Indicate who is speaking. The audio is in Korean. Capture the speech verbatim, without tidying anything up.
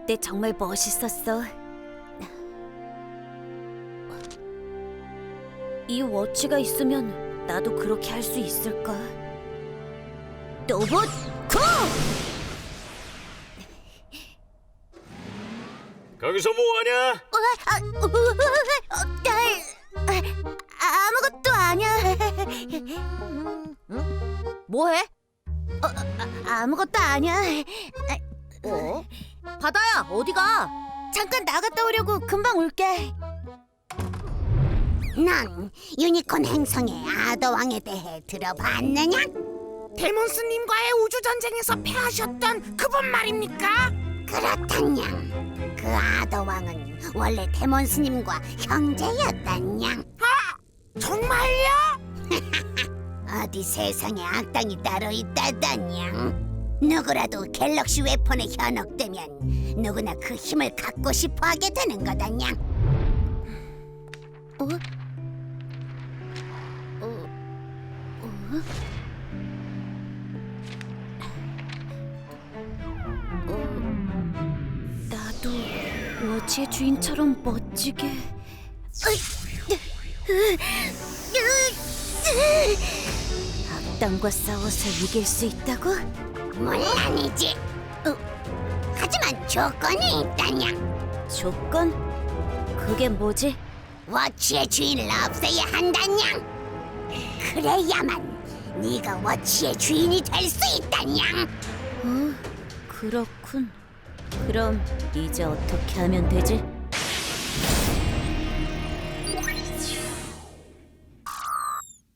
Speaker 1: 그때 정말 멋있었어. 이 워치가 있으면 나도 그렇게 할 수 있을까? 로봇 고!
Speaker 2: 거기서 뭐하냐?
Speaker 1: 어, 아, 어, 어, 어, 아, 아무것도 아니야.
Speaker 3: 뭐해?
Speaker 1: 어, 아, 아무것도 아니야.
Speaker 3: 어? 바다야, 어디가?
Speaker 1: 잠깐 나갔다 오려고. 금방 올게.
Speaker 4: 넌 유니콘 행성의 아더왕에 대해 들어봤느냐?
Speaker 5: 데몬스님과의 우주전쟁에서 패하셨던 그분 말입니까?
Speaker 4: 그렇단양. 그 아더왕은 원래 데몬스님과 형제였단양.
Speaker 5: 정말요?
Speaker 4: 어디 세상에 악당이 따로 있다단양. 누구라도 갤럭시 웨폰에 현혹되면 누구나 그 힘을 갖고 싶어하게 되는 거단양.
Speaker 1: 어? 어? 어? 어? 나도 워치의 주인처럼 멋지게. 악당과 싸워서 이길 수 있다고?
Speaker 4: 물론이지.
Speaker 1: 어?
Speaker 4: 하지만 조건이 있단양.
Speaker 1: 조건? 그게 뭐지?
Speaker 4: 워치의 주인을 없애야 한단양. 그래야만 네가 워치의 주인이 될 수 있단양.
Speaker 1: 어, 그렇군. 그럼 이제 어떻게 하면 되지?